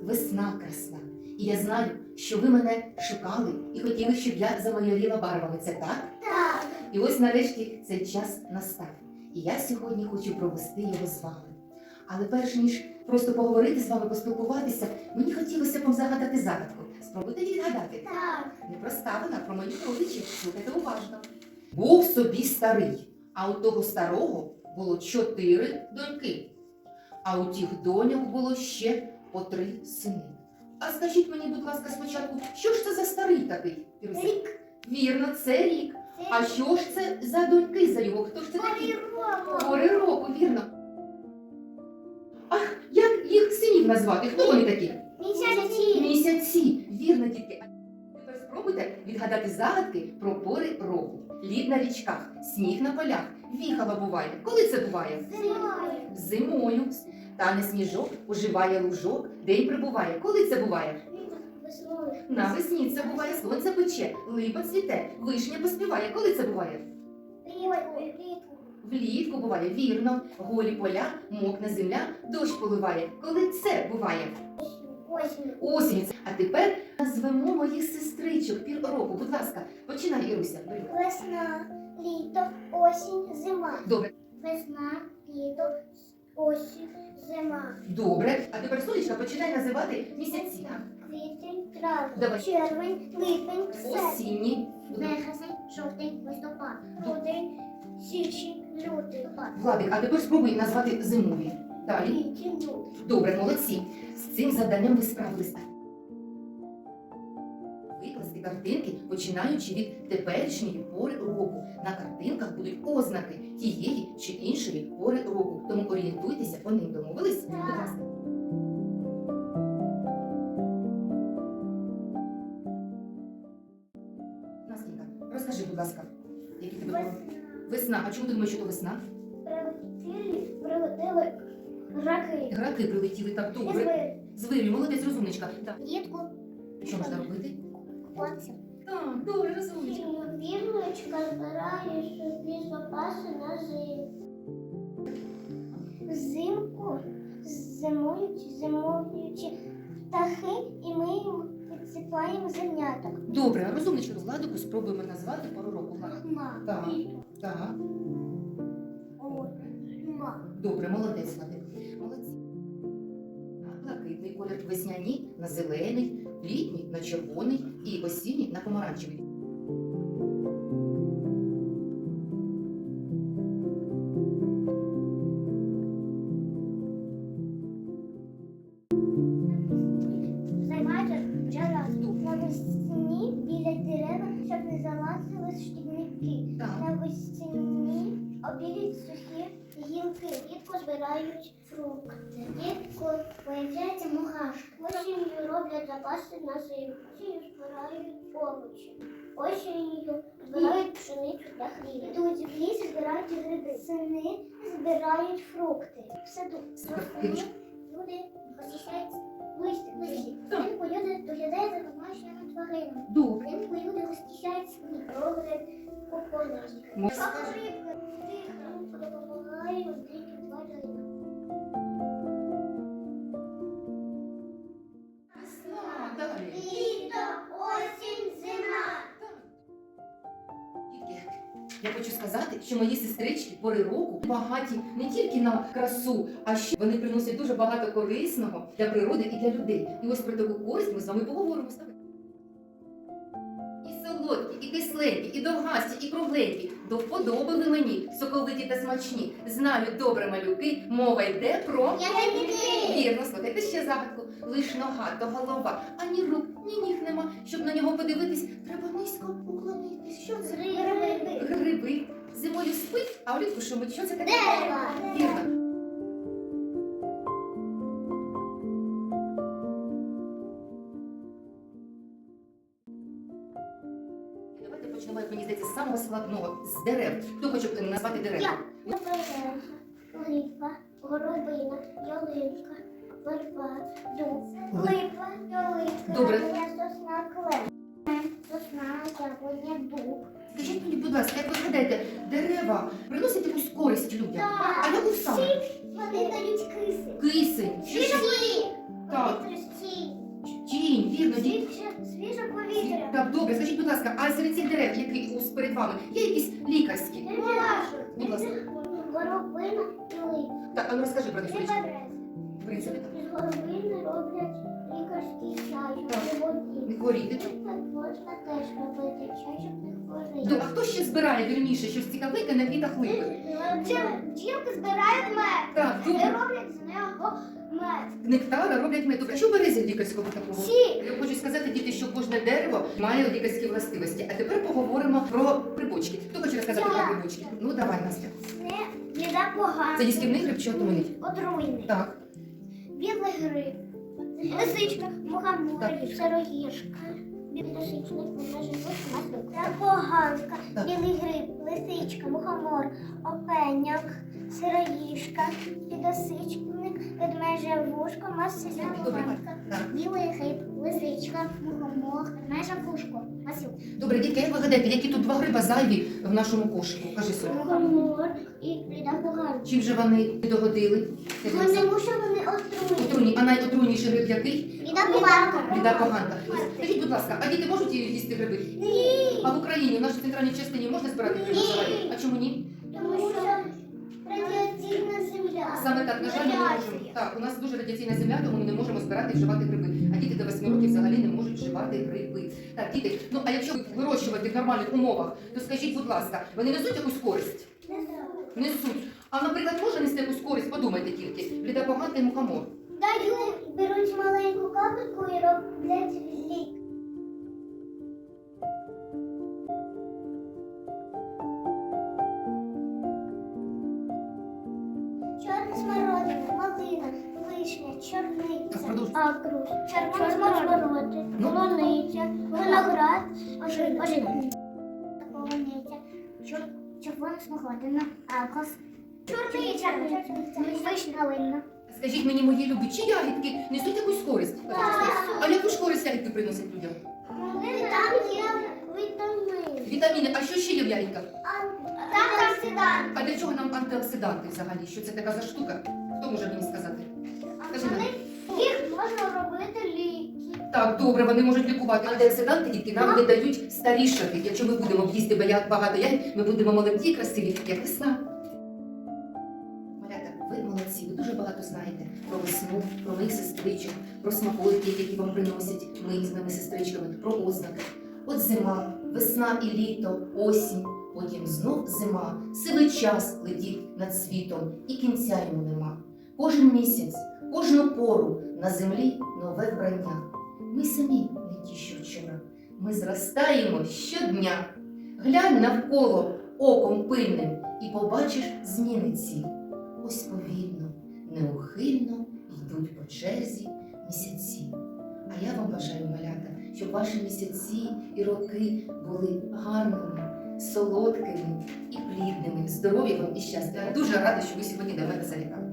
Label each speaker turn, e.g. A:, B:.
A: весна красна. І я знаю, що ви мене шукали і хотіли, щоб я замайоріла барвами. Це так?
B: Так.
A: І ось нарешті цей час настав. І я сьогодні хочу провести його з вами. Але перш ніж просто поговорити з вами, поспілкуватися, мені хотілося б вам загадати загадку. Спробуйте її відгадати.
B: Так.
A: Не проста вона, про моїх родичів. Слухайте уважно. Був собі старий, а у того старого було 4 доньки. А у тих доньок було ще по 3 сини. А скажіть мені, будь ласка, спочатку, що ж це за старий такий? Іруся?
B: Рік.
A: Вірно, це рік. А що ж це за доньки за його? Хто ж це такі? Пори року, вірно. А як їх синів назвати? Хто вони такі?
B: Місяці.
A: Місяці. Вірно, дітки. А тепер спробуйте відгадати загадки про пори року. Лід на річках, сніг на полях, віхала буває. Коли це буває?
B: Зимою.
A: Зимою. Тане сніжок, оживає лужок, день прибуває. Коли це буває?
B: Весною.
A: Навесні це буває, сонце пече, липа цвіте, вишня поспіває. Коли це буває?
B: Влітку.
A: Влітку буває, вірно. Голі поля, мокне земля, дощ поливає. Коли це буває?
B: Осінь.
A: Осінь. А тепер назвемо моїх сестричок пір року. Будь ласка, починай, Іруся. Бери.
B: Весна, літо, осінь, зима.
A: Добре.
B: Весна, літо, осінь, зима.
A: Добре. А тепер, сонечка, починай називати місяці.
B: Квітень, травень,
A: Давай.
B: червень, липень, серпень,
A: Осінні.
B: березень, жовтень, листопад, грудень, січень, лютий,
A: Владик, а тепер спробуй назвати зимові. Далі.
B: квітень, лютий.
A: Добре, молодці. З цим завданням ви справилися. Викласти картинки, починаючи від теперішньої пори року. На картинках будуть ознаки тієї чи іншої пори року. Тому орієнтуйтеся по ним. Домовились? Будь ласка. Настенька, розкажи, будь ласка, які тебе пори? Весна. А чому ти думаєш, що то весна?
B: Прилетіли раки.
A: Граки прилетіли так добре.
B: Звери.
A: Звирю, молодець, розумничка. Так.
B: Влітку
A: Що можна робити?
B: купатися.
A: Так, добре, розумничка.
B: Вірничка збирає собі запаси на зиму. Взимку зимуючи птахи, і ми їм підсипаємо зерняток.
A: Добре, розумничка, Владику, спробуємо назвати пору року. Влад.
B: Хма.
A: Так. Так.
B: Хма.
A: Добре, молодець, Владик. Молодці. Блакитний колір, весняні на зелений, літній на червоний і осінній на помаранчевий.
B: Займається бджола. Навесні біля дерева, щоб не залазили шкідники.
A: Так.
B: Навесні обілють сухі гілки, влітку збирають фрукти. Влітку появляється мурашки. Осінню роблять запаси на зиму. Осінню збирають овочі. Осінню збирають пшеницю для хліба. Йдуть в ліс, збирають гриби. Сини збирають фрукти. В саду восени люди очищають листя. Взимку люди доглядають за домашніми тваринами.
A: Добре.
B: Взимку люди розчищають свої прогри кукурузки.
A: Ми
B: Допомагає диким тваринам.
A: Весна, далі.
B: Літо, осінь, зима.
A: Дітки, я хочу сказати, що мої сестрички пори року багаті не тільки на красу, а ще вони приносять дуже багато корисного для природи і для людей. І ось про таку користь ми з вами поговоримо. І солодкі, і кисленькі, і довгасті, і кругленькі. До вподоби ви мені, соковиті та смачні. Знають добре малюки, мова йде про...
B: Ягідники.
A: Вірно, слухайте ще загадку. Лиш нога то голова, ані рук, ні ніг нема. Щоб на нього подивитись, треба низько уклонитись. Що це?
B: Гриби.
A: Гриби. Зимою спить, а влітку шумить. Що це таке?
B: Дерева.
A: Вірно. Давайте почнемо, як мені здається, з самого складного, з дерев. Хто хоче назвати дерева?
B: Береза, липа, горобина, ялинка, верба, дуб, липа, ялинка,
A: Добре.
B: сосна, клен. Сосна, яблуня, дуб.
A: Скажіть мені, будь ласка, як ви гадаєте, дерева приносять якусь користь людям? А яку саме?
B: Вони дають киси.
A: Кисень. Що ще? Так.
B: Повітря стій.
A: Тінь, вірно, діти.
B: Свіже повітря.
A: Так, добре, скажіть, будь ласка, а серед цих дерев, які перед вами, є якісь лікарські? Будь ласка.
B: Горобина і лип.
A: Так, а ну розкажи про них.
B: Це
A: швидше.
B: берези.
A: В принципі,
B: З горобини роблять лікарський чай,
A: Так.
B: щоб не воді.
A: не хворіти.
B: Так можна теж робити чай, щоб не хворіти.
A: Ну, а хто ще збирає, вірніше, щось цікавеньке на квітах липи?
B: Бджілки збирають мед.
A: Так,
B: І
A: добре.
B: роблять з нього мед.
A: Нектара роблять мед. А що берези лікарського такого?
B: Сік.
A: Я хочу сказати, діти, що кожне дерево має лікарські властивості. А тепер поговоримо про грибочки. Хто хоче розказати про
B: Я.
A: грибочки? Ну, давай, Настя.
B: Це їда погана.
A: Це їстівний гриб чи отруйний?
B: Отруйний.
A: Так.
B: Білий гриб. Лисичка, мухомор,
A: Так.
B: сироїжка. Лисичник, вона живуть маслюк. Та поганка.
A: Так.
B: Білий гриб, лисичка, мухомор, опеняк, сироїжка, підосичник, ведмежа вушко, масляна
A: Добре.
B: поганка.
A: Так.
B: Білий гриб, лисичка, мухомор, ведмежа вушко, маслюк.
A: Добре, дітки, як ви гадаєте, які тут два гриба зайві в нашому кошику? Кажи, Соня.
B: Мухомор і бліда поганка.
A: Чим же вони догодили?
B: Тому що вони отруйні.
A: Отруйні. А найотруйніший гриб який?
B: Бліда поганка.
A: Біда поганка. Скажіть, будь ласка, а діти можуть їсти гриби?
B: Ні.
A: А в Україні, в нашій центральній частині можна збирати гриби
B: Ні.
A: взагалі? А чому ні?
B: Тому що радіаційна земля.
A: Саме так, на жаль, ми не можемо. Так, у нас дуже радіаційна земля, тому ми не можемо збирати і вживати гриби. А діти до 8 років взагалі не можуть вживати гриби. Так, діти, ну а якщо вирощувати в нормальних умовах, то скажіть, будь ласка, вони несуть якусь користь?
B: Не знаю.
A: Несуть. А, наприклад, може нести якусь користь? Подумайте тільки. Бліда поганка і мухомор.
B: Дають, беруть маленьку капельку і роблять лік. Чорна смородина, малина, вишня,
A: Так,
B: чорниця,
A: продовжуй.
B: акрус, червона смородина,
A: Ну.
B: полуниця, виноград, ожина, полуниця, червона смородина, акрус, чорниця, вишня, малина.
A: Скажіть мені, мої любі, чи ягідки несуть якусь користь? А яку ж користь ягідки приносять людям?
B: Там є вітамини.
A: Вітаміни, а що ще є в ягідках?
B: Антиоксиданти.
A: А для чого нам антиоксиданти взагалі? Що це така за штука? Хто може мені сказати? Скажи нам.
B: Їх можна робити ліки.
A: Так, добре, вони можуть лікувати. Антиоксиданти тільки нам не дають старішати. Якщо ми будемо їсти багато ягід, ми будемо молоді і красиві, як весна. Малята, ви молодці, ви дуже багато знаєте про весну, про моїх сестричок, про смаколики, які вам приносять ми з моїми сестричками, про ознаки. От зима, весна і літо, осінь, потім знов зима, сивий час летить над світом, і кінця йому нема. Кожен місяць, кожну пору на землі нове вбрання. Ми самі не ті, що вчора, ми зростаємо щодня. Глянь навколо оком пильним і побачиш зміни ці. Ось повільно, неухильно йдуть по черзі місяці. А я вам бажаю, малята, щоб ваші місяці і роки були гарними, солодкими і плідними. Здоров'я вам і щастя. Я дуже рада, що ви сьогодні до мене завітали.